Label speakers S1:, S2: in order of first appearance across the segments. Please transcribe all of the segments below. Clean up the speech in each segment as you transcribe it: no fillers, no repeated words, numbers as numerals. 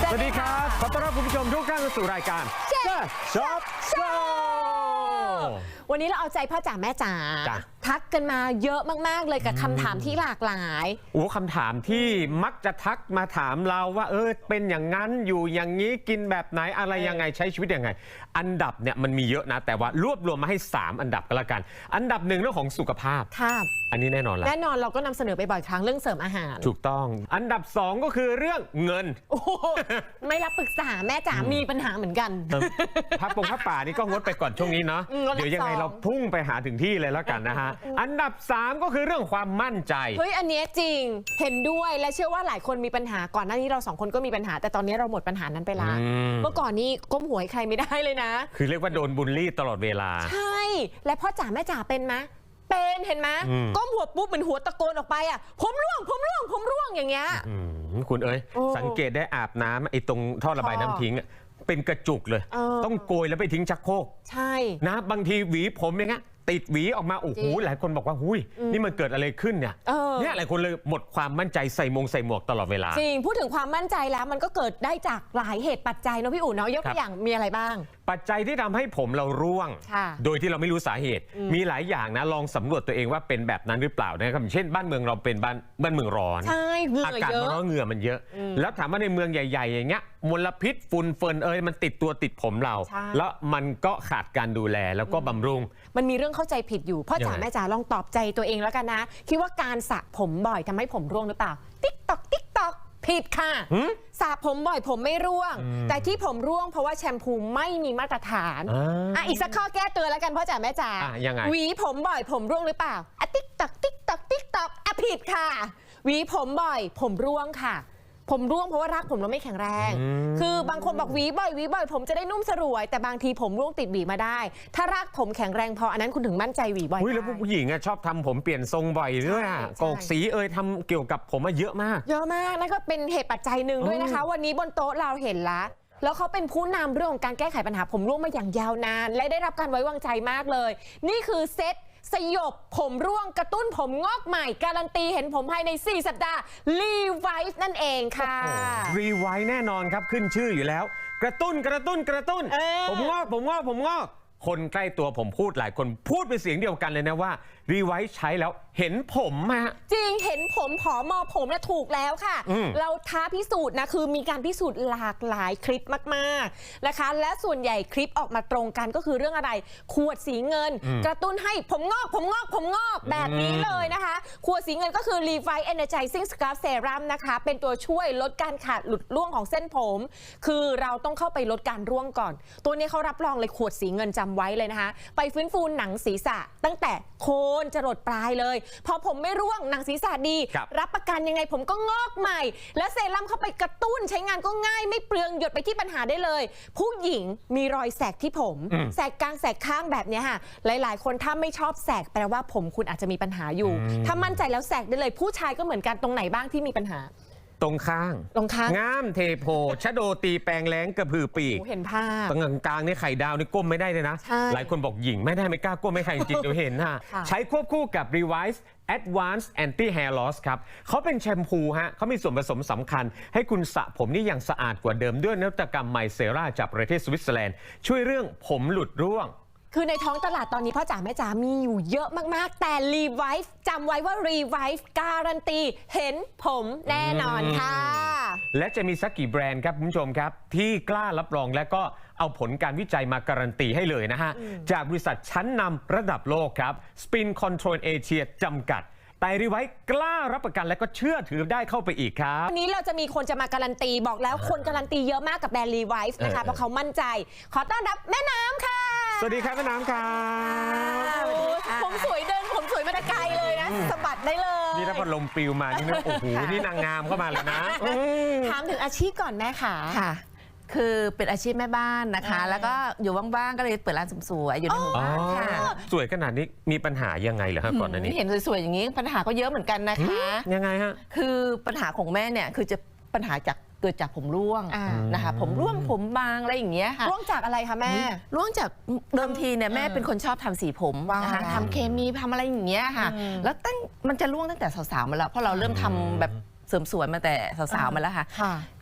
S1: สวัสดีครับขอต้อนรับคุณผู้ชมทุกท่านเข้าสู่รายการช็อปโชว์
S2: วันนี้เราเอาใจพ่อจ๋าแม่จ๋าทักกันมาเยอะมากๆเลยกับคำถามที่หลากหลาย
S1: คำถามที่มักจะทักมาถามเราว่าเป็นอย่างนั้นอยู่อย่างนี้กินแบบไหนอะไรยังไงใช้ชีวิตยังไงอันดับเนี่ยมันมีเยอะนะแต่ว่ารวบรวมมาให้3อันดับก็แล้วกันอันดับ1เรื่องของสุขภาพอันนี้แน่นอนแล้ว
S2: แน่นอนเราก็นำเสนอไปบ่อยครั้งเรื่องเสริมอาหาร
S1: ถูกต้องอันดับ2ก็คือเรื่องเงิน
S2: ไม่รับปรึกษาแม่จ๋ามีปัญหาเหมือนกัน
S1: พักป่านี่ก็งดไปก่อนช่วงนี้เนาะเดี๋ยวยังไงเราพุ่งไปหาถึงที่เลยแล้วกันนะฮะอันดับ3ก็คือเรื่องความมั่นใจ
S2: เฮ้ยอันนี้จริงเห็นด้วยและเชื่อว่าหลายคนมีปัญหาก่อนหน้านี้เรา2คนก็มีปัญหาแต่ตอนนี้เราหมดปัญหานั้นไปละเมื่อก่อนนี้ก้มหัวให้ใครไม่ได้เลยนะ
S1: คือเรียกว่าโดนบูลลี่ตลอดเวลา
S2: ใช่และพ่อจ๋าแม่จ๋าเป็นไหมเป็นเห็นไหมก้มหัวปุ๊บเหมือนหัวตะโกนออกไปอ่ะผมร่วงอย่างเงี้ย
S1: คุณสังเกตได้อาบน้ำไอ้ตรงท่อระบายน้ำทิ้งเป็นกระจุกเลยต้องโกยแล้วไปทิ้งชักโครก
S2: ใช่
S1: นะบางทีหวีผมอย่างเงี้ยติดหวีออกมาโอ้โหหลายคนบอกว่าหุยนี่มันเกิดอะไรขึ้นเนี่ยหลายคนเลยหมดความมั่นใจใส่หมวกตลอดเวลา
S2: จริงพูดถึงความมั่นใจแล้วมันก็เกิดได้จากหลายเหตุปัจจัยเนาะพี่อู๋เนาะยกตัวอย่างมีอะไรบ้าง
S1: ปัจจัยที่ทำให้ผมเราร่วงโดยที่เราไม่รู้สาเหตุมีหลายอย่างนะลองสำรวจตัวเองว่าเป็นแบบนั้นหรือเปล่านะครับเช่นบ้านเมืองเราเป็นบ้านเมืองร้อนอากาศมันร้อนเหงื่อมันเยอะแล้วถามว่าในเมืองใหญ่ๆอย่างเงี้ยมลพิษฝุ่นเฟิร์นมันติดตัวติดผมเราแล้วมันก็ขาดการดูแลแล้วก็บำรุง
S2: มันมีเรื่องเข้าใจผิดอยู่พ่อจ๋าแม่จ๋าลองตอบใจตัวเองแล้วกันนะคิดว่าการสระผมบ่อยทำให้ผมร่วงหรือเปล่าติ๊กตอกผิดค่ะสระผมบ่อยผมไม่ร่วงแต่ที่ผมร่วงเพราะว่าแชมพูไม่มีมาตรฐานอีกสักข้อแก้ตัวแล้วกันพ่อจ๋าแม่จ๋าหวีผมบ่อยผมร่วงหรือเปล่าติ๊กตอกผิดค่ะหวีผมบ่อยผมร่วงค่ะผมร่วงเพราะว่ารากผมเราไม่แข็งแรงคือบางคนบอกหวีบ่อยผมจะได้นุ่มสรวยแต่บางทีผมร่วงติดหวีมาได้ถ้ารากผมแข็งแรงพออันนั้นคุณถึงมั่นใจหวีบ่อย
S1: แล้วผู้หญิงชอบทำผมเปลี่ยนทรงบ่อยด้วยโกกสีทำเกี่ยวกับผมมาเยอะมาก
S2: นั่นก็เป็นเหตุปัจจัยหนึ่งด้วยนะคะวันนี้บนโต๊ะเราเห็นแล้วเขาเป็นผู้นำเรื่องของการแก้ไขปัญหาผมร่วงมาอย่างยาวนานและได้รับการไว้วางใจมากเลยนี่คือเซตสยบผมร่วงกระตุ้นผมงอกใหม่การันตีเห็นผมภายใน4 สัปดาห์ Revive นั่นเองค่ะ
S1: Revive แน่นอนครับขึ้นชื่ออยู่แล้วกระตุ้นผมงอกคนใกล้ตัวผมพูดหลายคนพูดเป็นเสียงเดียวกันเลยนะว่า Revive ใช้แล้วเห็นผม
S2: จริงเห็นผมผอมผมน่ะถูกแล้วค่ะเราท้าพิสูจน์นะคือมีการพิสูจน์หลากหลายคลิปมากๆนะคะและส่วนใหญ่คลิปออกมาตรงกันก็คือเรื่องอะไรขวดสีเงินกระตุ้นให้ผมงอกแบบนี้เลยนะคะขวดสีเงินก็คือ Revive Energizing Scalp Serum นะคะเป็นตัวช่วยลดการขาดหลุดร่วงของเส้นผมคือเราต้องเข้าไปลดการร่วงก่อนตัวนี้เขารับรองเลยขวดสีเงินจำไว้เลยนะคะไปฟื้นฟูหนังศีรษะตั้งแต่โคนจรดปลายเลยพอผมไม่ร่วงหนังศีรษะดีรับประกันยังไงผมก็งอกใหม่และเซรั่มเข้าไปกระตุ้นใช้งานก็ง่ายไม่เปลืองหยดไปที่ปัญหาได้เลยผู้หญิงมีรอยแสกที่ผมแสกกลางแสกข้างแบบนี้ค่ะหลายๆคนถ้าไม่ชอบแสกแปลว่าผมคุณอาจจะมีปัญหาอยู่ถ้ามั่นใจแล้วแสกได้เลยผู้ชายก็เหมือนกันตรงไหนบ้างที่มีปัญหา
S1: ตรงข้างงามเทโพชะโดตีแปลงแรงกระพือปีก
S2: เห็นภาพ
S1: ตรงกลางนี่ไข่ดาวนี่ก้มไม่ได้เลยนะหลายคนบอกหญิงไม่กล้าก้มไม่ใครจริงๆเดี๋ยวเห็นใช้ควบคู่กับ Revive Advanced Anti Hair Loss ครับเขาเป็นแชมพูเขามีส่วนผสมสำคัญให้คุณสระผมนี่อย่างสะอาดกว่าเดิมด้วยนวัตกรรมไมเซราจากประเทศสวิตเซอร์แลนด์ช่วยเรื่องผมหลุดร่วง
S2: คือในท้องตลาดตอนนี้พ่อจ๋าแม่จ๋ามีอยู่เยอะมากๆแต่ Revive จำไว้ว่า Revive การันตีเห็นผมแน่นอนค่ะ
S1: และจะมีสักกี่แบรนด์ครับคุณผู้ชมครับที่กล้ารับรองและก็เอาผลการวิจัยมาการันตีให้เลยนะฮะจากบริษัทชั้นนำระดับโลกครับ Spin Control Asia จำกัดแต่Reviveกล้ารับประกันและก็เชื่อถือได้เข้าไปอีกครับ
S2: วันนี้เราจะมีคนจะมาการันตีบอกแล้วคนการันตีเยอะมากกับแบรนด์ Revive นะคะเพราะเขามั่นใจขอต้อนรับแม่น้ำค่ะ
S1: สวัสดีครับแม่น้ำครับ
S2: ผมสวยผมสวยมาแต่ไกลเลยนะสะบัดได้เลย
S1: นี่ถ้าพัดลมปลิวมานี่นะโอ้โหนี่นางงามเข้ามาเลยนะ
S2: ถามถึงอาชีพก่อนแม่ค่ะ
S3: คือเป็นอาชีพแม่บ้านนะคะแล้วก็อยู่ว่างๆก็เลยเปิดร้านเสริมสวยอยู่ในหมู่บ้านค่ะ
S1: สวยขนาดนี้มีปัญหายังไงเหรอครับก่อนหน้านี้
S3: เห็นสวยๆอย่างนี้ปัญหาก็เยอะเหมือนกันนะคะ
S1: ยังไงฮะ
S3: คือปัญหาของแม่เนี่ยคือจะปัญหาเกิดจากผมร่วงนะคะผมร่วงผมบางอะไรอย่างเงี้ยค่ะ
S2: ร่วงจากอะไรคะแม่
S3: ร่วงจากเดิมทีเนี่ยแม่เป็นคนชอบทำสีผมนะคะทำเคมีทำอะไรอย่างเงี้ยค่ะแล้วมันจะร่วงตั้งแต่สาวๆมาแล้วเพราะเราเริ่มทำแบบเสริมสวยมาแต่สาวๆมาแล้วค่ะ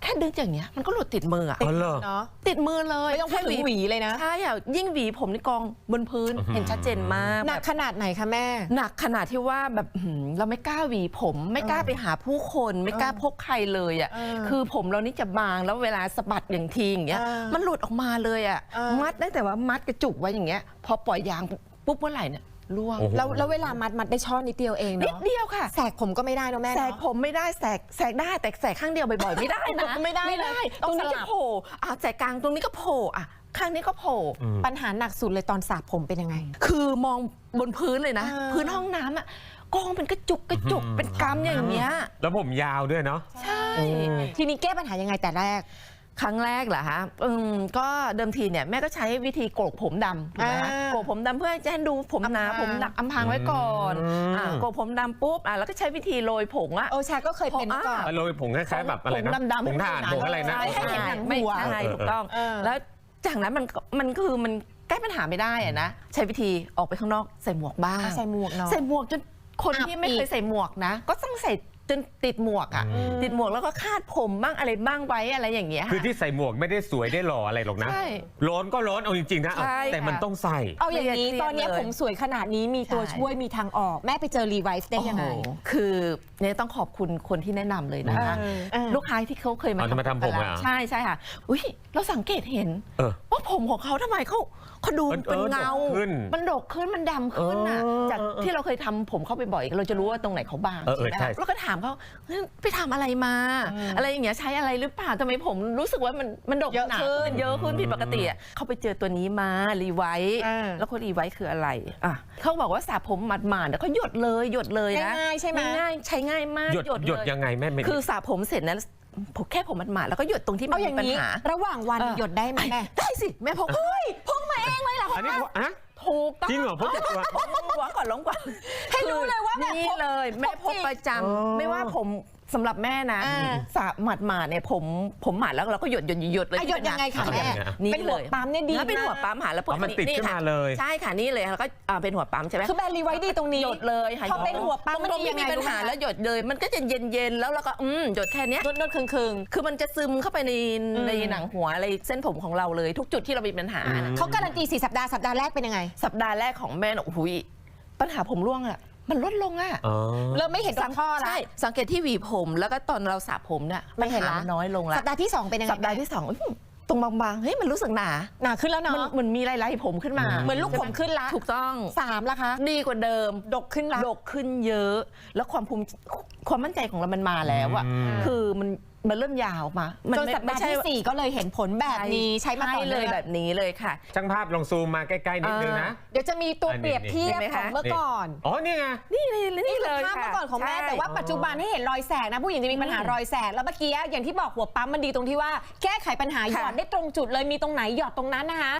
S3: แค่ดึงอย่างเงี้ยมันก็หลุดติดมืออะ
S1: อ๋อเหรอ
S2: เนาะ
S3: ติดมือเลย
S2: ไม่ต้องพูดถึงหวีเลยนะ
S3: ใช่อะยิ่งหวีผมในกองบนพื้นเห็นชัดเจนมาก
S2: หนักขนาดไหนคะแม่
S3: หนักขนาดที่ว่าแบบเราไม่กล้าหวีผมไม่กล้าไปหาผู้คนไม่กล้าพบใครเลยอ่ะคือผมเรานี่จะบางแล้วเวลาสะบัดอย่างทีอย่างเงี้ยมันหลุดออกมาเลยอ่ะมัดได้แต่ว่ามัดกระจุกไว้อย่างเงี้ยพอปล่อยยางปุ๊บเมื่อไหร่เนี่ยร่วง
S1: โอ้โห
S2: แล้วเวลามัดได้ช่อนิดเดียวเอง
S3: นิด
S2: เนาะ
S3: เดียวค่ะ
S2: แสกผมก็ไม่ได้เนาะแม่
S3: แสก
S2: เนาะ
S3: ผมไม่ได้แสกได้แต่แสกข้างเดียวบ่อยๆไม่ได้นะ
S2: ไม่ได้
S3: ไม่ได้
S2: เลย
S3: ตรงนี้
S2: ต้องสลั
S3: จะ
S2: บ
S3: โผล่แสกกลางตรงนี้ก็โผล่ข้างนี้ก็โผล่
S2: ปัญหาหนักสุดเลยตอนสระผมเป็นยังไง
S3: คือมองบนพื้นเลยนะ
S2: อ่า
S3: พื้นห้องน้ำอ่ะกองเป็นกระจุกเป็นกำอย่างเงี้ย
S1: แล้วผมยาวด้วยเนาะ
S3: ใช่
S2: ทีนี้แก้ปัญหายังไงแต่แรก
S3: ครั้งแรกเหรอคะก็เดิมทีเนี่ยแม่ก็ใช้วิธีโกกผมดำถูกไหมคะ
S2: อ่า
S3: โกกผมดำเพื่อจะให้ดูผมหนา
S2: อำพราง
S3: ผมหนักอำพรางไว้ก่อน โกกผมดำปุ๊บแล้วก็ใช้วิธีโรยผงอะ
S2: โอชาก็เคยเป็นมาก่อน
S1: โรยผงคล้ายๆแบบอะไรนะ
S3: ผงดำๆ
S1: ผงถ่านผงอะไรนะ
S3: ใช่
S2: ให้เห็นหนังหัว
S3: ไม่ใช่ถูกต้อง แล้วจากนั้นมันคือมันแก้ปัญหาไม่ได้อะนะใช้วิธีออกไปข้างนอกใส่หมวกบ้าง
S2: ใส่หมวกเนาะ
S3: ใส่หมวกจนคน
S2: อับ
S3: ที่ไม่เค
S2: อี
S3: ย
S2: ก
S3: ใส่หมวกนะ ก็ต้องใส่จนติดหมวกอ่ะ ติดหมวกแล้วก็คาดผมบ้างอะไรบ้างไว้อะไรอย่างเงี้ย
S1: คือที่ใส่หมวกไม่ได้สวยได้หล่ออะไรหรอกนะ
S3: ใช่
S1: ร้อนก็ร้อนเอาจริงๆนะ
S3: ใช่
S1: แต่มัน
S3: ค่ะ
S1: ต้องใส่
S2: เอาอย่างนี้
S3: เครียด
S2: ตอนเนี้ย
S3: เลย
S2: ผมสวยขนาดนี้มีตัว
S3: ใช่
S2: ช่วยมีทางออกแม่ไปเจอรีไวซ์ได้ยังไง
S3: โอ้โหคือเนี่ยต้องขอบคุณคนที่แนะนำเลยนะคะ ลูกค้าที่เขาเคยมา
S1: เอาจะมาทำผมเหรอ
S3: ใช่ใช่ค่ะอุ้ยเราสังเกตเห็น
S1: เออ
S3: ว่าผมของเขาทำไมเขาดู
S1: เออ
S3: เป็นเงา
S1: ดกขึ้น
S3: มันดกขึ้นมันดำขึ้นอ่ะ จากที่เราเคยทำผมเข้าไปบ่อยเราจะรู้ว่าตรงไหนเขาบาง
S1: เออ
S3: ไหม
S1: ใช่
S3: แล้วก็ถามเขาเฮ้ยไปทำอะไรมา อะไรอย่างเงี้ยใช้อะไรหรือเปล่าทำไมผมรู้สึกว่ามันดก
S2: เยอะ
S3: หนา
S2: ขึ้น
S3: เยอะขึ้นผิดปกติอะเขาไปเจอตัวนี้มารีไวท์
S2: อ่า
S3: แล้วคนรีไวท์คืออะไรเขาบอกว่าสระผมหมาดๆแล้วก็หยดเลยนะ
S2: ง่ายๆใช่ไหม
S3: ง่ายๆใช้ง่ายมาก
S1: หยด
S3: เลย
S1: หยดยังไงแม่ไม่
S3: คือสระผมเสร็จนะผมแค่ผมหมาดๆแล้วก็หยดตรงที่มั
S2: เอา
S3: น
S2: อ
S3: มี
S2: ย่าง
S3: ปัญ
S2: นี้
S3: หา
S2: ระหว่างวันหยดได้ไหมแม่
S3: ได้สิแม่พก
S2: พกมาเองเลยเหรอ
S1: อันนี้อะ
S3: ถูกต้อง
S1: จริงเหรอพกติดตัว
S3: หวังก่อนลงก่อน
S2: ให้รู้เลยว่าแบบ
S3: นี่เลยแม่พกประจำไม่ว่าผมสำหรับแม่นะสระหมาดๆเนี่ยผมหมาดแล้วเราก็หยดเลย
S2: อ่ะหยดยังไงคะ
S1: เอา
S2: แม่
S1: ยังไงอะ
S3: นี่
S2: เป็นหั
S3: เล
S2: วย ปั๊มเนี่ยดี
S3: แล้วเป็นหัวปั๊มหาแล้วพวก
S1: มันติดขึ้นมาเลย
S3: ใช่ค่ะนี่เลยแล้วก็เป็นหัวปั๊มใช่ไหม
S2: คือแบรนด์รีไวซ์ดีตรงนี้
S3: หยดเลยค่ะ
S2: พอเป็นหัวปั๊มมัน
S3: ตรง
S2: ดี
S3: ไม่
S2: ยังไง
S3: มีปัญหา
S2: รู้ไหม
S3: แล้วหยดเลยมันก็จะเย็นๆแล้วเราก็หยดแค่เนี้ย
S2: นวดๆคึง
S3: คือมันจะซึมเข้าไปในหนังหัวอะไรเส้นผมของเราเลยทุกจุดที่เรามีปัญหานะ
S2: ๆเขาการันตี4 สัปดาห์สัปดาห์แรกเป็นยังไง
S3: สัปดาห์แรกของแม่น่ะโอ้โหปัญหาผมร่วงอะมันลดลงอะ
S1: อ๋อ
S2: เริ่มไม่เห็นตรงข้อแล้ว
S3: ใช่สังเกตที่หวีผมแล้วก็ตอนเราสระผมเนี่ย
S2: ไม่เห็นละ
S3: ปัญาน้อยลงละ
S2: สัปดาห์ที่ 2 เป็นยังไง
S3: สัปดาห์ที่สองตรงบางๆเฮ้ยมันรู้สึกหนา
S2: หนาขึ้นแล้ว
S3: มัน
S2: เนาะ
S3: เหมือนมีลายๆผมขึ้นมา
S2: เหมือนลูกผมขึ้นละ
S3: ถูกต้อง
S2: 3ละคะ
S3: ดีกว่าเดิม
S2: ดกขึ้นละ
S3: ดกขึ้นเยอะ แล้วความมั่นใจของเรามันมาแล้วอะ
S1: อืม
S3: คือมันเริ่มยาวมามั
S2: จนสัปดาห์ที่ 4 ก็เลยเห็นผลแบบนี้ใช้มาต่อ
S3: เล
S2: เนื่
S3: ย
S2: อง
S3: แบบนี้เลยค่ะ
S1: ช่างภาพลองซูมมาใกล้ๆนิดนึงนะ
S2: เดี๋ยวจะมีตัวเปรียบเทียบ
S3: เห็นไหม
S2: ข
S3: คะ
S2: องเมื่อก่อน
S1: อ๋อนี่ไง
S3: นี่เลย
S2: นี่คือ
S3: เลย
S2: ภาพเมื่อก่อนของแม่
S3: ใช่
S2: แต่ว่าปัจจุบันให้เห็นรอยแสกนะผู้หญิงจะมีปัญหารอยแสกแล้วเมื่อกี้อย่างที่บอกหัวปั๊มมันดีตรงที่ว่าแก้ไขปัญหาหยอดได้ตรงจุดเลยมีตรงไหนหยอดตรงนั้นนะคะ